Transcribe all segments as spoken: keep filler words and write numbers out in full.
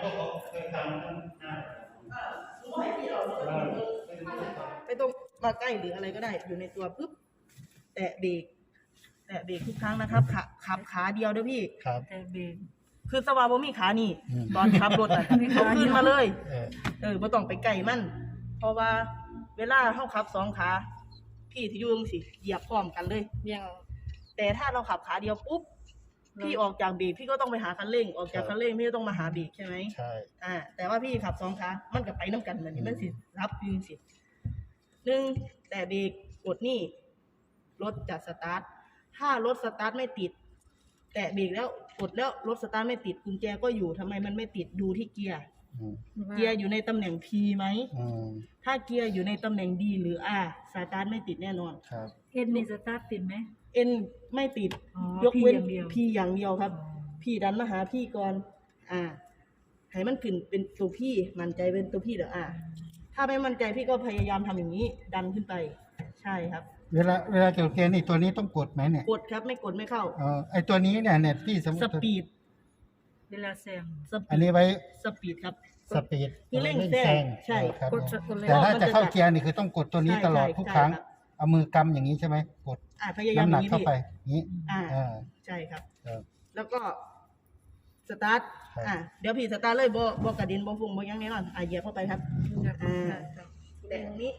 ไม่ต้องมาใกล้หรืออะไรก็ได้อยู่ในตัวปุ๊บแตะเบรกแตะเบรกทุกครั้งนะครับขับขับขาเดียวเด้อพี่ครับแตะเบรกคือสวาบ่มีขานี่ตอนขับรถอ่ะเอาขึ้นมาเลยเออไม่ต้องไปใกล้มันเพราะว่าเวลาเฮาขับสองขาพี่ที่อยู่จังซี่เหยียบพร้อมกันเลยอย่างแต่ถ้าเราขับขาเดียวปุ๊บพี่ออกจากเบรกพี่ก็ต้องไปหาคันเร่งออกจากคันเร่งพี่ก็ต้องมาหาเบรกใช่ไหมใช่อ่าแต่ว่าพี่ขับสองขามันก็ไปน้ำกันเหมือนนี้มันสิรับยืนสิหนึ่งแต่เบรกกดนี่รถจะสตาร์ทถ้ารถสตาร์ทไม่ติดแตะเบรกแล้วกดแล้วรถสตาร์ทไม่ติดกุญแจก็อยู่ทำไมมันไม่ติดดูที่เกียร์เกียร์อยู่ในตำแหน่ง P ไหมถ้าเกียร์อยู่ในตำแหน่ง D หรือ R สตาร์ทไม่ติดแน่นอนครับ N นี่สตาร์ทติดไหม N ไม่ติดยกเว้น P อย่างเดียวครับพี่ดันมาหาพี่ก่อนอ่าให้มันขึ้นเป็นตัวพี่มั่นใจเป็นตัวพี่เด้ออ่าถ้าไม่มั่นใจพี่ก็พยายามทำอย่างนี้ดันขึ้นไปใช่ครับเวลาเวลาเกี่ยวกับเกณฑ์นี่ตัวนี้ต้องกดไหมเนี่ยกดครับไม่กดไม่เข้าเออไอตัวนี้เนี่ยเนี่ยที่สมมติสปีดเวลาแซงอันนี้ไว้สปีดครับสปีดคือเร่งแซงใช่ครับแต่ถ้าจะเข้าเกียร์นี่คือต้องกดตัวนี้ตลอดทุกครั้งเอามือกำอย่างนี้ใช่ไหมกดน้ำหนักเข้าไปนี้อ่าใช่ครับแล้วก็สตาร์ทอ่าเดี๋ยวพี่สตาร์ทเลยบ่บ่กระดินบ่ฟุ้งบ่ยังแน่นอนอ่าเหยียบเข้าไปครับอ่าแต่ตรงนี้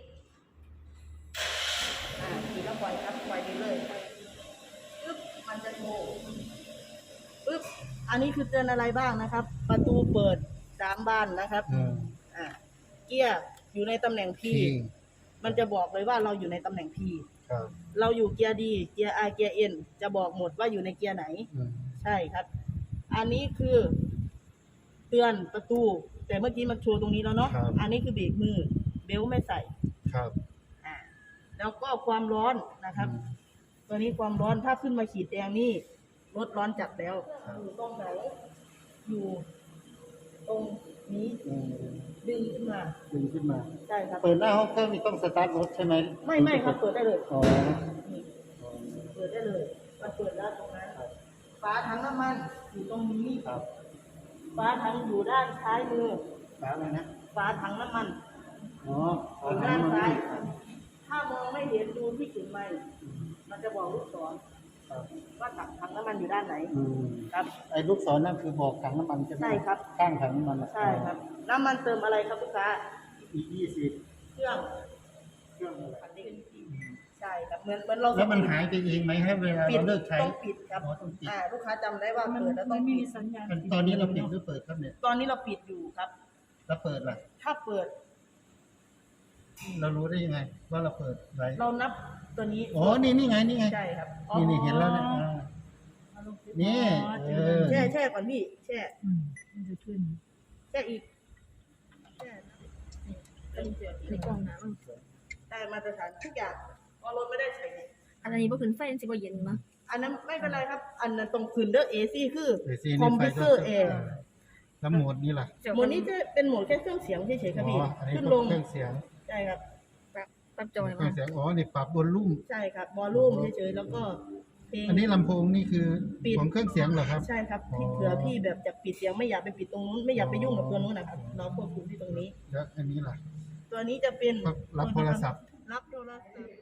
อ่าทีละปล่อยครับปล่อยไปเลยปึ๊บมันจะโชว์ปึ๊บอันนี้คือเตือนอะไรบ้างนะครับประตูเปิดสามบานนะครับอ่าเกียร์อยู่ในตำแหน่ง P มันจะบอกเลยว่าเราอยู่ในตำแหน่ง P เราอยู่เกียร์ D เกียร์ R เกียร์ N จะบอกหมดว่าอยู่ในเกียร์ไหนใช่ครับอันนี้คือเตือนประตูแต่เมื่อกี้มันโชว์ตรงนี้แล้วเนาะอันนี้คือเบรกมือเบลไม่ใส่ครับอ่าแล้วก็ความร้อนนะครับตัวนี้ความร้อนถ้าขึ้นมาขีดแดงนี่รถร้อนจัดแล้วอยู่ตรงไหนอยู่ตรงนี้ดึงขึ้นมาดึงขึ้นมาใช่ครับเปิดหน้าห้องเครื่องนี่ต้องสตาร์ทรถใช่ไหมไม่ไม่ครับเปิดได้เลยอ๋อเปิดได้เลยมันเปิดได้ตรงนั้นฝาถังน้ำมันอยู่ตรงนี้ครับฝาถังอยู่ด้านซ้ายมือฝาอะไรนะฝาถังน้ำมันอ๋ออยู่ด้านซ้ายถ้ามองไม่เห็นดูที่จุดไม้มันจะบอกลูกศรว่าถังน้ำมันอยู่ด้านไหนครับไอ้ลูกศรนั่นคือบอกถังน้ำมันใช่ไหมใช่ครับข้างถังน้ำมันใช่ครับน้ำมันเติมอะไรครับลูกค้าอีกยี่สิบเครื่องเครื่องใช่ครับเหมือนเหมือนเราแล้วมันหายไปเองไหมให้เวลาเราเลิกใช้ต้องปิดครับอ่าลูกค้าจำได้ว่าเปิดแล้วต้องมีสัญญาณตอนนี้เราปิดหรือเปิดครับเนี่ยตอนนี้เราปิดอยู่ครับแล้วเปิดล่ะถ้าเปิดเรารู้ได้ยังไงว่าเราเปิดไว้เรานับตัวนี้อ๋อนี่นี่ไงนี่ไงใช่ครับนี่นี่เห็นแล้วนะนี่แช่แช่ก่อนพี่แช่มันจะขึ้นแช่อีกแช่ในกล่องน้ำได้มาตรฐานทุกอย่างพอรถไม่ได้ใช้อันนี้บ่ขึ้นไฟสิบ่เย็นมั้งอันนั้นไม่เป็นไรครับอันนั้นตรงคืนเด้อ เอ ซี คือคอมพิวเตอร์แอร์แล้วโหมดนี้ล่ะโหมดนี้จะเป็นโหมดแค่เครื่องเสียงเฉยๆครับพี่ขึ้นลงเครื่องเสียงใช่ครับปรับจอยเครื่องเสียงอ๋อนี่ปรับบอลลุ่มใช่ครับวอลลุ่มเฉยๆแล้วก็อันนี้ลำโพงนี่คือของเครื่องเสียงเหรอครับใช่ครับเผื่อพี่แบบจะปิดเสียงไม่อยากไปปิดตรงนู้นไม่อยากไปยุ่งกับตัวนู้นนะครับเราควบคุมที่ตรงนี้แล้วอันนี้ล่ะตัวนี้จะเป็นรับโทรศัพท์รับโทรศัพท์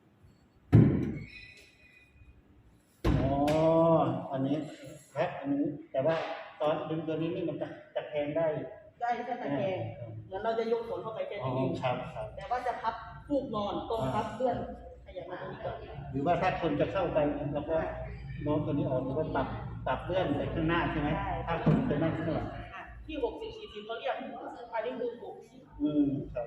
อ๋ออันนี้ครับอันนี้แต่ว่าตอนดึงตัวนี้นี่มันจะจะแทงได้ได้แค่ตะแคงเหมือนเราจะยกขนเข้าไปแค่นี้ครับครับแต่ว่าจะพับฟูกนอนตรงพับเลื่อนขยับมาตรงนี้ก่อนหรือว่าถ้าคนจะเข้าไปเราก็โน้มตัวนี้ออกหรือว่าปรับปรับเลื่อนไปข้างหน้าใช่ไหมถ้าคนจะนั่งข้างหลังที่หกสิบสี่สิบเขาเรียกอันนี้คือหกสิบอืมครับ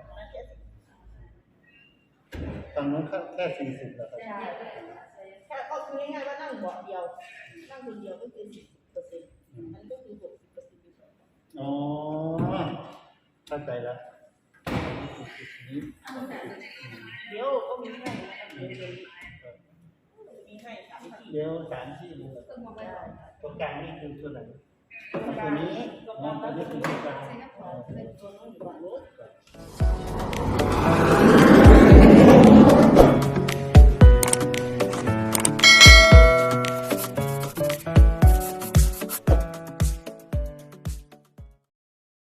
ตอนนั้นแค่สี่สิบแล้วครับแค่ก็คือง่ายๆว่านั่งเบาะเดียวนั่งคนเดียวก็คือสิบเปอร์เซ็นต์อันก็คือหกสิบเปอร์เซ็นต์อ๋อเข้าใจแล้วเดี๋ยวก็มีให้นะครับเดี๋ยวมีให้สามที่เดี๋ยวสามที่เลยตรงกลางนี่คือตัวไหนตัวนี้ตัวนี้คือตัวกลางตัวนู้นอยู่ฝั่งนู้น